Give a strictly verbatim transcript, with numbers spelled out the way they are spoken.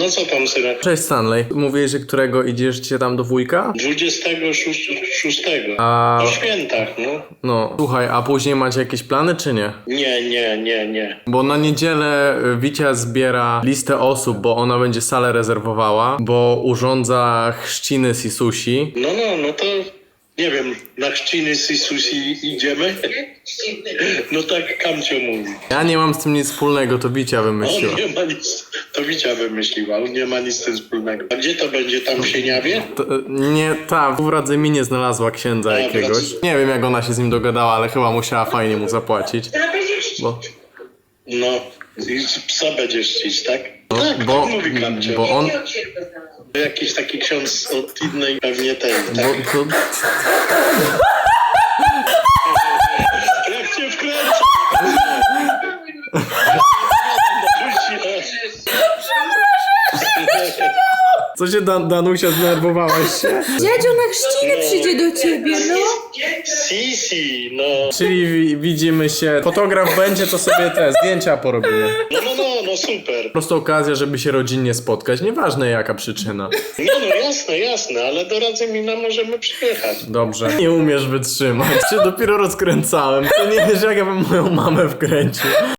No co tam, synek? Cześć Stanley. Mówiłeś, że którego idziecie tam do wujka? dwudziestego szóstego. A... Po świętach, no. No, słuchaj, a później macie jakieś plany, czy nie? Nie, nie, nie, nie. Bo na niedzielę y, Wicia zbiera listę osób, bo ona będzie salę rezerwowała, bo urządza chrzciny Sisusi. No, no, no to... Nie wiem, na chrzciny Sisusi idziemy? No tak Kamcio mówi. Ja nie mam z tym nic wspólnego, to Wicia wymyśliła. On nie ma nic, to Wicia wymyśliła, on nie ma nic z tym wspólnego. A gdzie to będzie, tam w Sieniawie? To, y, nie, ta w Radzymi nie znalazła księdza A, jakiegoś. wrac- Nie wiem jak ona się z nim dogadała, ale chyba musiała fajnie mu zapłacić. Bo, No, i psa będziesz czcić, tak? no, tak, bo, tak mówi Kamcio. bo on... Jakiś taki ksiądz od innej pewnie tej, tak? Bo, to, Jak cię wkręcę! co się Dan Danusia, zdenerwowałaś się? Dziadzio na chrzciny przyjdzie do ciebie, no. Sisi, no. Czyli wi widzimy się, fotograf będzie, to sobie te zdjęcia porobimy. No, no, no, no super. Po prostu okazja, żeby się rodzinnie spotkać, nieważne jaka przyczyna. No, no jasne, jasne, ale do Radzymina możemy przyjechać. Dobrze. Nie umiesz wytrzymać, się dopiero rozkręcałem, to nie wiesz jak ja bym moją mamę wkręcił.